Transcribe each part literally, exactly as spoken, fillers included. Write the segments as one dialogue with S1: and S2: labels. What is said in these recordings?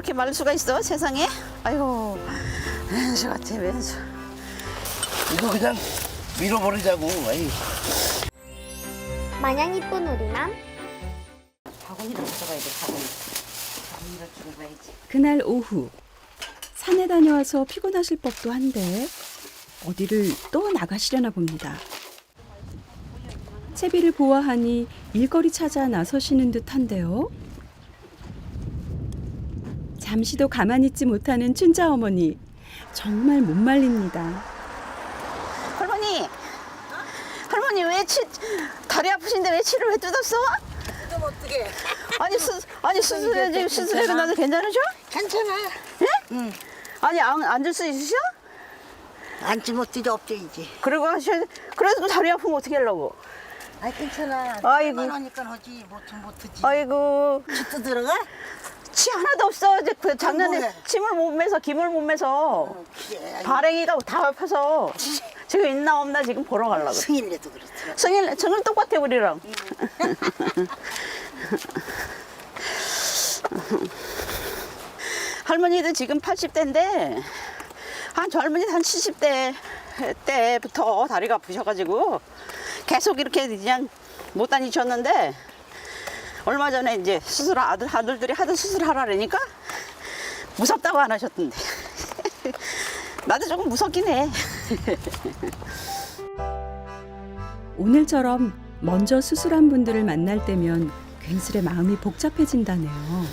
S1: 이렇게 마를 수가 있어 세상에? 아이고 왼수 같아 왼수.
S2: 이거 그냥 밀어버리자고. 아이.
S3: 마냥 이쁜 우리맘.
S1: 바구니를 가져가야 돼 바구니. 바구니를 주고 가야지.
S4: 그날 오후 산에 다녀와서 피곤하실 법도 한데 어디를 또 나가시려나 봅니다. 채비를 보아하니 일거리 찾아 나서시는 듯한데요. 잠시도 가만히 있지 못하는 춘자 어머니 정말 못 말립니다.
S1: 할머니, 할머니 왜 치, 다리 아프신데 왜 치를 왜 뜯었어?
S5: 좀 어떻게?
S1: 아니 수, 아니 수술해 지금 수술해도 나도 괜찮으셔?
S5: 괜찮아.
S1: 예?
S5: 응.
S1: 아니 안, 앉을 수 있으셔?
S5: 앉지 못지도 없죠 이제.
S1: 그리고 하셔. 그래도 다리 아프면 어떻게 하려고?
S5: 아 괜찮아.
S1: 아이고.
S5: 하니까 하지 못하면 못하지.
S1: 아이고
S5: 치도 들어가?
S1: 치 하나도 없어. 이제 그 작년에
S5: 뭐해?
S1: 침을 못 매서 김을 못 매서
S5: 어, 그래.
S1: 발행이가 다 아파서 지금 있나 없나 지금 보러 가려고.
S5: 승일내도 그렇더라.
S1: 성일 성일 똑같아 우리랑. 할머니도 지금 팔십 대인데 한 젊은이 한 칠십 대 때부터 다리가 아프셔가지고 계속 이렇게 그냥 못 다니셨는데 얼마 전에 이제 수술 아들 아들들이 하던 수술하라니까 무섭다고 안 하셨던데 나도 조금 무섭긴 해.
S4: 오늘처럼 먼저 수술한 분들을 만날 때면 괜스레 마음이 복잡해진다네요.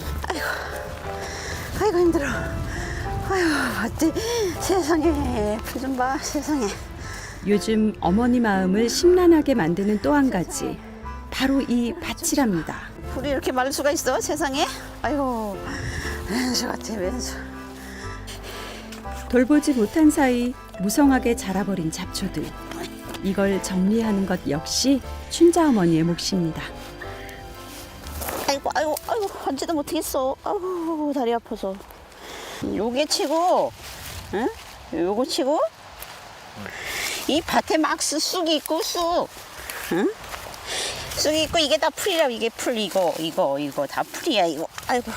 S1: 아이고 힘들어. 아이고 어찌 세상에 풀 좀 봐 세상에.
S4: 요즘 어머니 마음을 심란하게 만드는 또 한 가지 바로 이 밭이랍니다.
S1: 풀이 이렇게 마를 수가 있어 세상에? 아이고 왼수 같아 왼수.
S4: 돌보지 못한 사이 무성하게 자라버린 잡초들. 이걸 정리하는 것 역시 춘자 어머니의 몫입니다.
S1: 아이고 아이고 아이고 앉지도 못하겠어. 아이고 다리 아파서. 요게 치고, 응? 요거 치고, 이 밭에 막 쑥, 쑥이 있고 쑥, 응? 쑥이 있고 이게 다 풀이라 이게 풀 이거 이거 이거 다 풀이야 이거. 아이고.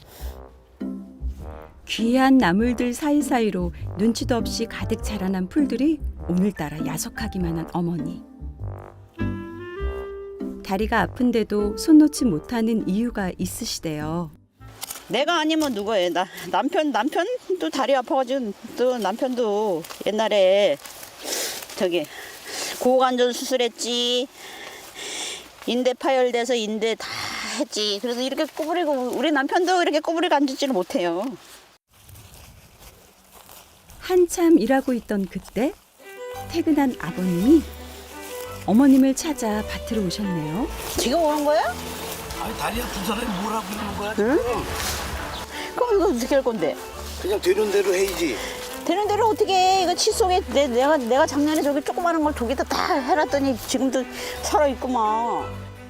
S4: 귀한 나물들 사이사이로 눈치도 없이 가득 자라난 풀들이 오늘따라 야속하기만 한 어머니. 다리가 아픈데도 손 놓지 못하는 이유가 있으시대요.
S1: 내가 아니면 누구예요? 나 남편 남편도 다리 아파가지고 또 남편도 옛날에 저기 고관절 수술했지. 인대 파열돼서 인대 다 했지. 그래서 이렇게 꼬부리고 우리 남편도 이렇게 꼬부리고 앉지를 못해요.
S4: 한참 일하고 있던 그때 퇴근한 아버님이 어머님을 찾아 밭으로 오셨네요.
S1: 지금 오는 거야?
S2: 아니 다리 아픈 사람이 뭐라고 그러는 거야?
S1: 응?
S2: 지금?
S1: 그럼 이거 어떻게 할 건데?
S2: 그냥 되는 대로 해야지.
S1: 되는 대로 어떻게 해? 이거 치 속에 내, 내가 내가 작년에 저기 조그마한 걸 저기다 다 해놨더니 지금도 살아있구만.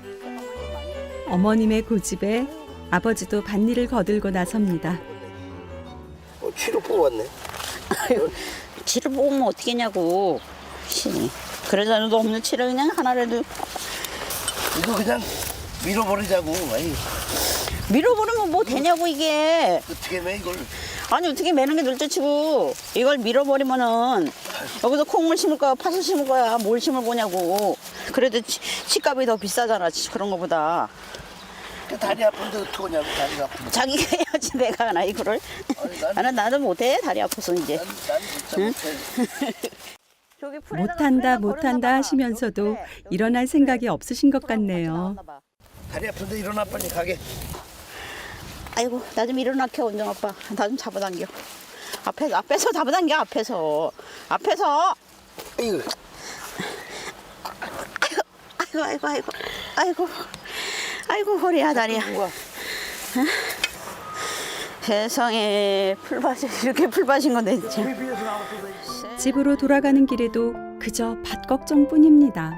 S4: 어머님의 고집에 아버지도 밭일을 거들고 나섭니다.
S2: 어, 치료 뽑았네.
S1: 아유, 치를 뽑으면 어떻게 했냐고. 그러자 너 없는 치를 그냥 하나라도
S2: 이거 그냥 밀어버리자고. 아이.
S1: 밀어버리면 뭐 되냐고 이게.
S2: 어떻게 매 이걸?
S1: 아니 어떻게 매는 게 둘째치고 이걸 밀어버리면은 여기서 콩물 심을 거야 파슬 심을 거야 뭘 심을 거냐고. 그래도 치, 치값이 더 비싸잖아 그런 거보다.
S2: 다리 아픈데 어떡하냐고. 다리가 아픈데.
S1: 자기가 해야지 내가 하나 이거를.
S2: 아니, 난-
S1: 나는 나도 못해 다리 아파서 이제.
S2: 난, 난 진짜 못해.
S1: 저기 풀에다가-
S4: 못한다
S1: 풀에다가
S4: 못한다
S1: 걸어놔봐.
S4: 하시면서도
S1: 여기 그래. 여기
S4: 일어날
S1: 그래.
S4: 생각이 없으신 것
S1: 풀하고 같이
S4: 같네요.
S1: 나왔나 봐.
S2: 다리 아픈데 일어나 빨리 가게.
S1: 아이고 나 좀 일어나켜 원정 아빠. 나 좀 잡아당겨. 앞에서 앞에서 잡아당겨 앞에서 앞에서.
S2: 이거
S1: 아이고 아이고 아이고 아이고 아이고 허리야 다리야.
S2: 누가?
S1: 세상에 풀밭이 이렇게 풀밭인 건데 진짜.
S2: 비비에서 나왔어.
S4: 집으로 돌아가는 길에도 그저 밭 걱정뿐입니다.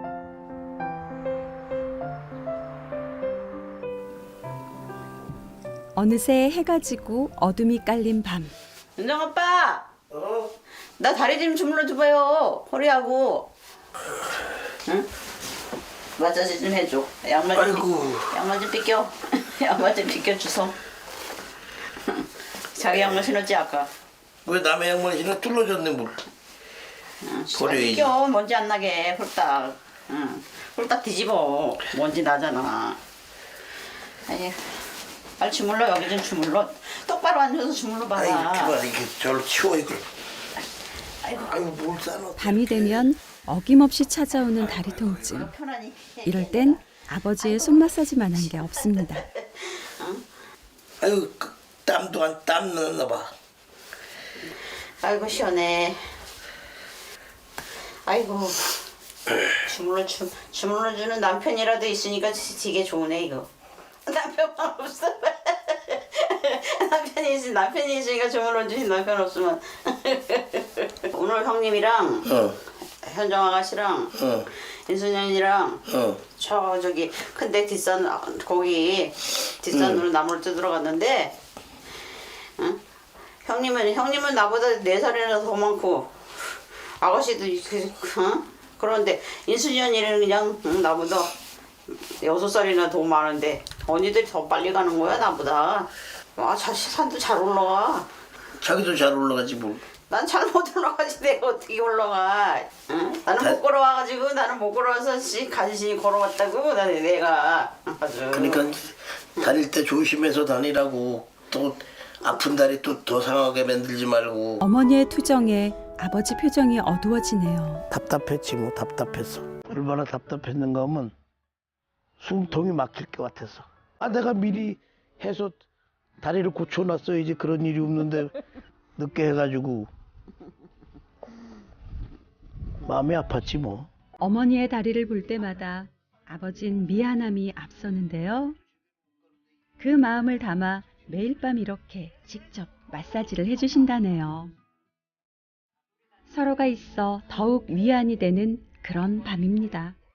S4: 어느새 해가 지고 어둠이 깔린 밤.
S1: 원정 아빠
S2: 어?
S1: 나 다리 좀 주물러 줘봐요 허리하고. 응? 마사지 좀 해줘. 양말 좀
S2: 아이고.
S1: 비, 양말 좀 빗겨. 양말 좀 빗겨 주소. 자기 양말 신었지 아까.
S2: 왜 남의 양말 신어 뚫어졌네 물. 버려야지.
S1: 껴 먼지 안 나게 홀딱. 응. 홀딱 뒤집어. 먼지 나잖아. 아니, 빨리 주물러 여기 좀 주물러. 똑바로 앉아서 주물러
S2: 아이
S1: 봐라.
S2: 그만 이게 저로 치워 이걸.
S1: 아이고.
S2: 아이고 뭘 싸놓.
S4: 밤이 되면 어김없이 찾아오는 다리 통증.
S1: 편안히.
S4: 이럴 땐 아버지의 손 마사지만 한 게 없습니다.
S2: 아이고 그, 땀도 안 땀 났나 봐.
S1: 아이고 시원해. 아이고. 주물러 주 주물러 주는 남편이라도 있으니까 되게 좋네 이거. 남편만 없어. 남편이 있으 남편이 있으니까 주물러 주신 남편 없으면. 오늘 형님이랑
S2: 어.
S1: 현정 아가씨랑
S2: 어.
S1: 인순현이랑
S2: 어.
S1: 저 저기 큰데 뒷산 거기 뒷산으로 나무를 뜯으러 갔는데, 응? 형님은 형님은 나보다 네 살이나 더 많고 아가씨도 그, 응? 그런데 인순현이는 그냥 응, 나보다 여섯 살이나 더 많은데 언니들이 더 빨리 가는 거야 나보다. 아, 저 산도 잘 올라가.
S2: 자기도 잘 올라가지 뭘.
S1: 난 잘 못 올라가지 내가 어떻게 올라가? 응? 나는
S2: 다-
S1: 못 걸어와가지고 나는 못 걸어와서 씨 간신히 걸어왔다고 나는 내가 아주.
S2: 그러니까 다닐 때 조심해서 다니라고. 또 아픈 다리 또 더 상하게 만들지 말고.
S4: 어머니의 투정에 아버지 표정이 어두워지네요.
S2: 답답했지 뭐 답답했어. 얼마나 답답했는가 하면 숨통이 막힐 것 같았어. 아 내가 미리 해서 다리를 고쳐놨어야지 그런 일이 없는데 늦게 해가지고 마음이 아팠지 뭐.
S4: 어머니의 다리를 볼 때마다 아버진 미안함이 앞서는데요. 그 마음을 담아 매일 밤 이렇게 직접 마사지를 해주신다네요. 서로가 있어 더욱 위안이 되는 그런 밤입니다.